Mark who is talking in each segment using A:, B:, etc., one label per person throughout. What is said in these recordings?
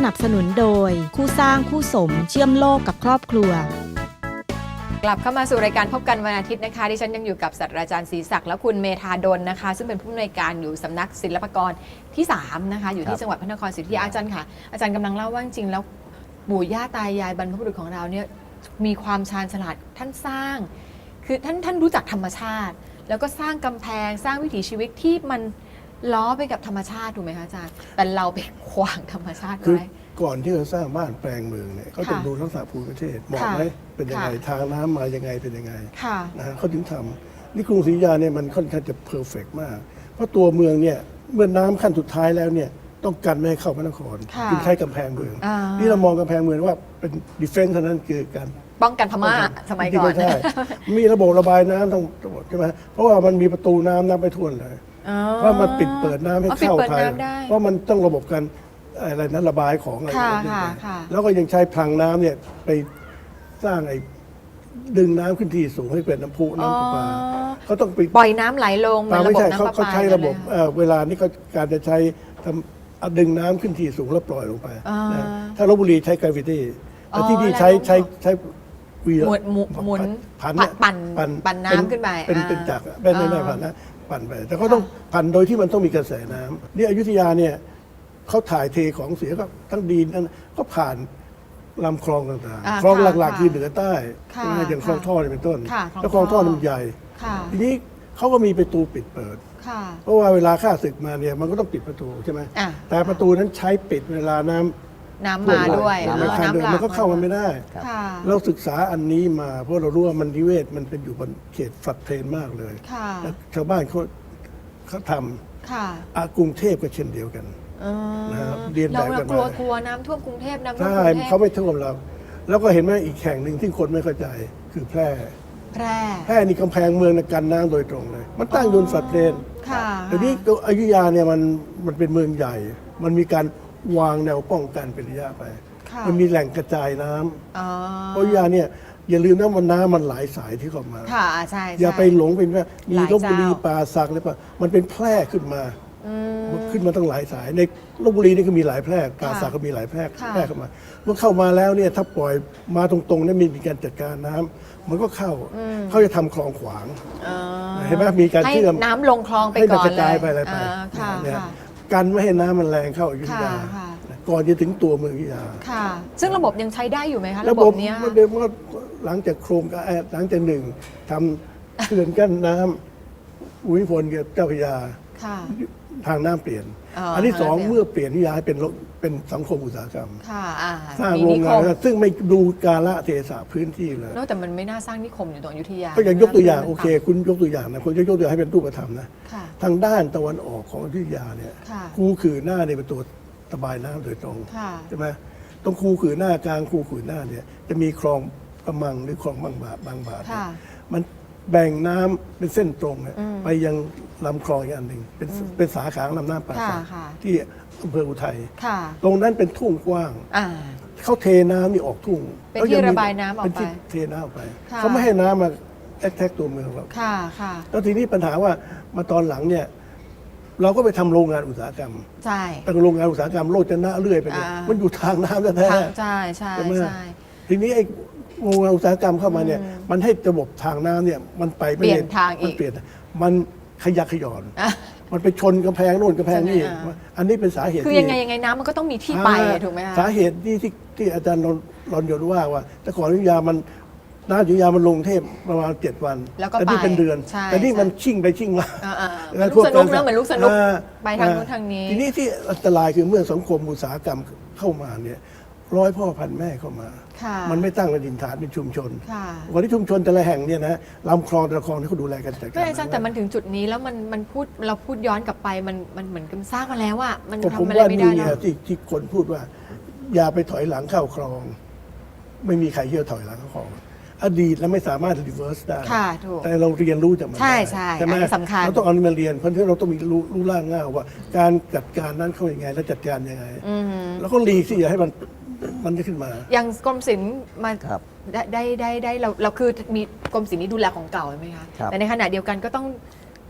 A: นับสนุนโดยคู่สร้างคู่สมเชื่อมโลกกับครอบครัว
B: กลับเข้ามาสู่รายการพบกันวันอาทิตย์นะคะดิฉันยังอยู่กับศาสตราจารย์ศรีศักดิ์และคุณเมธาดลนะคะซึ่งเป็นผู้อำนวยการอยู่สำนักศิลปากรที่3นะคะอยู่ที่จังหวัดพระนครศรีอยุธยาอาจารย์ค่ะอาจารย์กำลังเล่าว่าจริงๆแล้วปู่ย่าตายายบรรพบุรุษของเราเนี่ยมีความชาญฉลาดท่านสร้างคือท่านรู้จักธรรมชาติแล้วก็สร้างกำแพงสร้างวิถีชีวิตที่มันล้อไปกับธรรมชาติถูกไหมคะอาจารย์แต่เราไปขวางธรรมชาติไว้
C: ก่อนที่จะสร้างบ้านแปลงเมืองเนี่ยเขาต้องดูลักษณะภูมิประเทศเหมาะไหมเป็นยังไงทางน้ำมายังไงเป็นยังไงนะฮะเขาถึงทำนี่กรุงศรีอยุธยาเนี่ยมันค่อนข้างจะเพอร์เฟกต์มากเพราะตัวเมืองเนี่ยเมื่อน้ำขั้นสุดท้ายแล้วเนี่ยต้องกันไม่ให้เข้าพระนครจึงใช้กำแพงเมืองนี่เรามองกำแพงเมืองว่าเป็นดิเฟนซ์เท่านั้นคือการ
B: ป้องกันพม่าสมัยก่อน
C: ใช่มีระบบระบายน้ำทั้งหมดใช่ไหมเพราะว่ามันมีประตูน้ำไม่ท่วมเลยเพราะมันปิดเปิดน้ำให้เข้าไทยเพราะมันต้องระบบกันอะไรนั้นระบายของอะไรอย่างเงี้ยแล้วก็ยังใช้พลังน้ำเนี่ยไปสร้างไอ้ดึงน้ำขึ้นที่สูงให้เป็นน้ำพุน้ำประปาเขาต้องไป
B: ปล่อยน้ำไหลลง
C: ไม่ใช่เขาใช้ระบบเวลานี้เขาการจะใช้ดึงน้ำขึ้นที่สูงแล้วปล่อยลงไปถ้าลพบุรีใช้กราฟิตี้แต่ที่นี่ใช้
B: หมุนปั่นน้ำขึ้นไป
C: เป็นจักรไม่ผ่านนะปั่นไปแต่ก็ต้องปั่นโดยที่มันต้องมีกระแสน้ำนี่อยุธยาเนี่ยเขาถ่ายเทของเสียก็ทั้งดินนั้นก็ผ่านลำคลองต่างๆคลองหลักๆคือเหนือใต้อย่างคลองท่อเป็นต้นแล้วคลองท่อมันใหญ่ทีนี้เขาก็มีประตูปิดเปิดเพราะว่าเวลาข้าศึกมาเนี่ยมันก็ต้องปิดประตูใช่ไหมแต่ประตูนั้นใช้ปิดเวลาน้ำ
B: มาด้วย
C: มันก็เข้ามาไม่ได้เราศึกษาอันนี้มาเพราะเรารู้ว่ามันนิเวศมันเป็นอยู่บนเขตฝัดเทรนมากเลยชาวบ้านเขาทำกรุงเทพก็เช่นเดียวกัน
B: นะครับเรียนแบบกันมากลัวน้ำท่วมกรุงเทพน้ำท่วม
C: ใช่เขาไม่ท่วมเราแล้วก็เห็นไหมอีกแห่งหนึ่งที่คนไม่เข้าใจคือแพร่นี่กำแพงเมืองกันน้ำโดยตรงเลยมันตั้งอยู่ฝัดเทรนแต่นี้อยุธยาเนี่ยมันเป็นเมืองใหญ่มันมีการวางแนวป้องกันเป็นระยะไปมันมีแหล่งกระจายน้ำอยุธยาเนี่ยอย่าลืมนะมันน้ำมันหลายสายที่เข้ามาอย่าไปหลงเป็นว่ามีลพบุรีป่าสักอะไรป่ะมันเป็นแพร่ขึ้นมาตั้งหลายสายในลพบุรีนี่ก็มีหลายแพร่ป่าสักก็มีหลายแพร่เข้ามาเมื่อเข้ามาแล้วเนี่ยถ้าปล่อยมาตรงๆเนี่ยมีการจัดการน้ำมันก็เขาจะทำคลองขวางเห็นไหมมีการเชื่อม
B: น้ำลงคลองไปก่อนเลย
C: ให้กระจายไปอะไรไปกันไม่ให้น้ำมันแรงเข้าอยุธยาก่อนจะถึงตัวเมืองอยุธยา
B: ซึ่งระบบยังใช้ได้อยู่ไหมคะระบบนี้
C: หลังจากโครงการหลังจากหนึ่งทำเขื่อนกั้นน้ำอุยพลกับเจ้าพระยาทางน้ำเปลี่ยนอันที่สองเมื่อเปลี่ยนอยุธยาเป็นสังคมอุตสาหกรรมสร้างโรงงานซึ่งไม่ดูกาลเทศะพื้นที่เลย
B: แต่มันไม่น่าสร้างนิคมอยู่ตรงอยุธยา
C: ก็อย่างยกตัวอย่างโอเคคุณยกตัวอย่างนะคุณจะยกตัวอย่างให้เป็นรูปธรรมนะทางด้านตะวันออกของอยุธยาเนี่ยคูขือหน้าเนี่ยเป็นตัวระบายน้ำโดยตรงใช่ไหมตรงคูขือหน้ากลางคูขือหน้าเนี่ยจะมีคลองกระมังหรือคลองบางบาทมันแบ่งน้ำเป็นเส้นตรงไปยังลำคลองอีกอันหนึ่งเป็นสาขาลำน้ำป่าสักที่อำเภออุทัยตรงนั้นเป็นทุ่งกว้างเขาเทน้ำนี่ออกทุ่ง
B: เป็นที่ระบายน้ำออกไป
C: เทน้ำออกไปเขาไม่ให้น้ำมาแอทแทกตัวเมืองเราแล้วทีนี้ปัญหาว่ามาตอนหลังเนี่ยเราก็ไปทำโรงงานอุตสาหกรรมแต่โรงงานอุตสาหกรรมโลดจะน่าเรื่อยไปเลยมันอยู่ทางน้ำแท้
B: ๆใช่
C: ทีนี้ไอ้โรงงานอุตสาหกรรมเข้ามาเนี่ยมันให้ระบบทางน้ำเนี่ยมันไป
B: เปลี่ยนทางอีก
C: มันขยักขย่อนมันไปชนกำแพงโน่นกำแพงนี่อันนี้เป็นสาเหตุ
B: คือยังไงน้ำมันก็ต้องมีที่ไปถูกไหมคะ
C: สาเหตุที่อาจารย์รอนยนว่าแต่ก่อนอยุธยามันน้ำอยุธยามันลงเทพประมาณ7 วันแต่นี่เป็นเดือนแต่นี่มันชิ่งไปชิ่งมา
B: ลูกสนุกนะเหมือนลูกสนุกไปทางนู้นทางนี้
C: ทีนี้ที่อันตรายคือเมื่อสังคมอุตสาหกรรมเข้ามาเนี่ย100 พ่อพันแม่เข้ามามันไม่ตั้งเป็นดินฐานเป็นชุมชนวันที่ชุมชนแต่ละแห่งเนี่ยนะลำคลองแต่ละคลองที่เขาดูแลกันจัดการ
B: แต่มันถึงจุดนี้แล้วเราพูดย้อนกลับไปมันเหมือนกันสร้างมาแล้วอะมันทำอะไรไม่ได้แล้ว
C: ที่คนพูดว่าอย่าไปถอยหลังเข้าคลองไม่มีใครเชื่อถอยหลังเข้าคลองอดีตแล้วไม่สามารถรีเวิร์สได้แต่เราเรียนรู้จากมัน
B: ใช่
C: ไหม
B: สำคัญ
C: เราต้องเอามาเรียนเพราะฉะนั้นเราต้องมีรู้ล่างง่ายว่าการจัดการนั้นเขาอย่างไงและจัดการยังไงแล้วก็รีที่อย่าให้มันจะขึ้นมา
B: อย่างกรมศิลป์มาได้เราคือมีกรมศิลป์นี้ดูแลของเก่าใช่ไหมคะแต่ในขณะเดียวกันก็ต้อง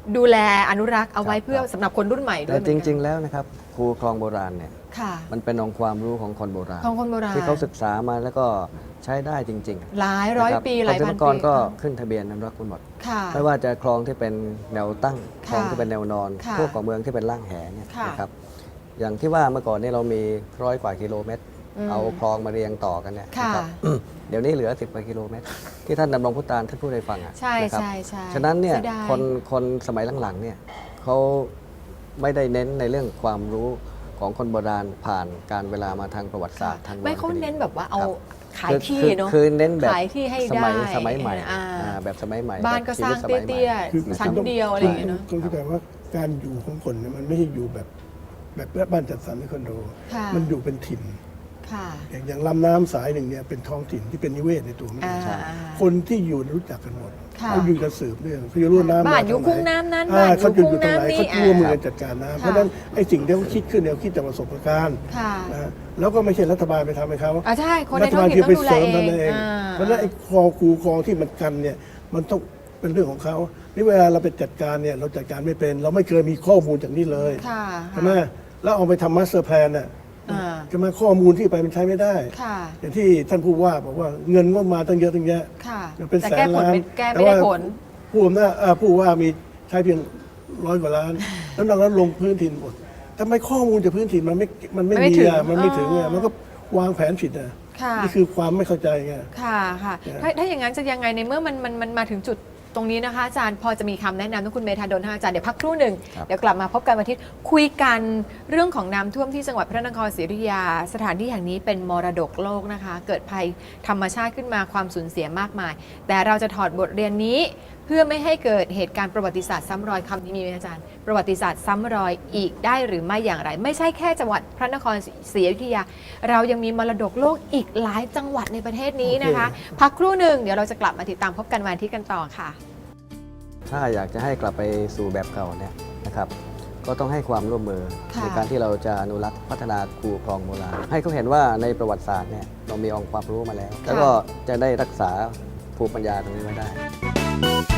B: ดูแลอนุรักษ์เอาไว้
D: ครับ
B: เพื่อสำหรับคนรุ่นใหม่ด้ว
D: แต่
B: ย
D: จริง ๆ แล้วนะครับครูคลองโบราณเนี่ย
B: ค่ะ
D: มันเป็นองค์ความรู้ของคนโบราณ
B: ของคนโบราณ
D: ที่เขาศึกษามาแล้วก็ใช้ได้จริงๆ
B: หลายร้อย
D: นะคบ
B: ปีหลายพัน
D: กร
B: ปี
D: ก็ขึ้นทะเบียนอนุรักษ์ไว้หมด
B: ค่ะ
D: ไม่ว่าจะคลองที่เป็นแนวตั้งค
B: ค่ะ
D: ลองที่เป็นแนวนอน
B: ค่ะ
D: พวกของเมืองที่เป็นล่างแหเนี่ย
B: ค่ะ
D: นะครับอย่างที่ว่าเมื่อก่อนเนี่ยเรามี100 กว่ากิโลเมตร
B: ม
D: เอาคลองมาเรียงต่อกันเนี่ย
B: ค่ะ
D: นะครับ เดี๋ยวนี้เหลือ10 กว่ากิโลเมตร ที่ท่านดำรงพุตานท่านพูดให้ฟังอ่ะ
B: ใช่
D: นะครับ
B: ใช่ใช่
D: ฉะนั้นเนี่ย
B: สีดา
D: คนสมัยหลังๆเนี่ยเขาไม่ได้เน้นในเรื่องความรู้ของคนโบราณผ่านการเวลามาทางประวัติศาสตร์ทาง
B: ไม่เขา
D: วรรณคดี
B: เน้นแบบว่าเอา
D: ครับ
B: ขายที่เนาะ
D: คือเน้นแบบ
B: ขายที่ให้
D: สมัย
B: ได้
D: สมัยใหม่
B: อ่า
D: แบบสมัยใหม่
B: บ้านก็
D: แบบชี
B: สร้า
D: วิ
B: ง
D: ตสมัยใหม่
B: เตี้ย
C: คือ
B: ๆชั้นเดียวอะไรอย่างเงี้ยเนาะ
C: ต้องเข้าใจว่าการอยู่ของคนเนี่ยมันไม่ใช่อยู่แบบบ้านจัดสรรในคอนโด
B: ค่ะ
C: มันอยู่เป็นถิ่น
B: ค่ะ
C: อย่างลำน้ำสายหนึ่งเนี่ยเป็นท้องถิ่นที่เป็นนิเวศในตัวมัน
B: อ่า
C: เองคนที่อยู่รู้จักกันหมด
B: ค่ะ
C: เขาอยู่กันสืบเนื่องเขาจะรู้น้ำ
B: บ้าน
C: ม
B: อยู่
C: ทงไห
B: คุ้งน้ำนั้น
C: อ่า
B: บ้าน
C: เขา
B: อยู่
C: อยู่
B: คุ้ง
C: ตรงไหน
B: น้ำนี่
C: เขารู้มือ
B: อ่า
C: กันจัดการน้ำ
B: ค่ะ
C: เพราะฉะนั้นไอ้สิ่งที่เขาคิดขึ้นเนี่ยเขาคิดจากประสบการณ์
B: ค่ะ
C: นะแล้วก็ไม่ใช่รัฐบาลไปทำให้เขา
B: อ่าใช่คนใน
C: รัฐ
B: ท้อบ
C: าง ล
B: ถิ่น
C: ที่
B: ต้อ
C: ไป
B: งดูแล
C: เสริม
B: เอ
C: นั่น
B: ง
C: เอง
B: อ่า
C: เพราะฉะนั้นไอ้คลองคูคลองที่มันกันเนี่ยมันต้องเป็นเรื่องของเขานี่เวลาเราไปจัดการเนี่ยเราจัดการไม่เป็น เราไม่เคยมีข้อมูลจากนี้เลย
B: ค่ะ
C: ใช่ไหมแล้วเอาไปทำมาสเตอร์แพลนน่ะ
B: อ่า
C: จะมาข้อมูลที่ไปมันใช้ไม่ได้
B: ค่ะ
C: อย่างที่ท่านผู้ว่าบอกว่าเงินก็มาตั้งเยอะตั้งแยะ
B: ค่ะ
C: เป็น
B: แต่
C: แส
B: แก้
C: น
B: ผล
C: ล้าน
B: แก้ไม่ได้ผล
C: ผู้อำนาจผู้ว่ามีใช้เพียง100 กว่าล้าน แล้วนอกนั้นลงพื้นถิ่นหมดทำไมข้อมูลจากพื้นถิ่นมันไม่
B: ไม่
C: มี
B: ถึง
C: อ่ะมันไม่ถึง
B: อ๋
C: อ่ะ
B: อ
C: มันก็วางแผนผิดอ่ะ
B: ค่ะ
C: นี่คือความไม่เข้าใจไง
B: ค่ะค่ะ
C: เนี่ย
B: ถ้าอย่างนั้นจะยังไงในเมื่อมันมาถึงจุดตรงนี้นะคะอาจารย์พอจะมีคำแนะนำทุกคุณเมธาดลนะคะอาจารย์เดี๋ยวพักครู่หนึ่ง
D: ครับ
B: เดี๋ยวกลับมาพบกันวันอาทิตย์คุยกันเรื่องของน้ำท่วมที่จังหวัดพระนครศรีอยุธยา สถานที่แห่งนี้เป็นมรดกโลกนะคะ เกิดภัยธรรมชาติขึ้นมาความสูญเสียมากมาย แต่เราจะถอดบทเรียนนี้ เพื่อไม่ให้เกิดเหตุการณ์ประวัติศาสตร์ซ้ำรอยคำนี้มีไหมอาจารย์ ประวัติศาสตร์ซ้ำรอยอีกได้หรือไม่อย่างไร ไม่ใช่แค่จังหวัดพระนครศรีอยุธยา เรายังมีมรดกโลกอีกหลายจังหวัดในประเทศนี้นะคะ พักครู่หนึ่งเดี๋ยวเราจะกลับมาติดตามพบกันวันอาทิตย์กันต่อค่ะ
D: ถ้าอยากจะให้กลับไปสู่แบบเก่าเนี่ยนะครับก็ต้องให้ความร่วมมือ
B: ค่ะ
D: ในการที่เราจะอนุรักษ์พัฒนาคูคลองโบราณให้เขาเห็นว่าในประวัติศาสตร์เนี่ยเรามีองค์ความรู้มาแล้ว แล้วก็จะได้รักษาภูมิปัญญาตรงนี้ไว้ได้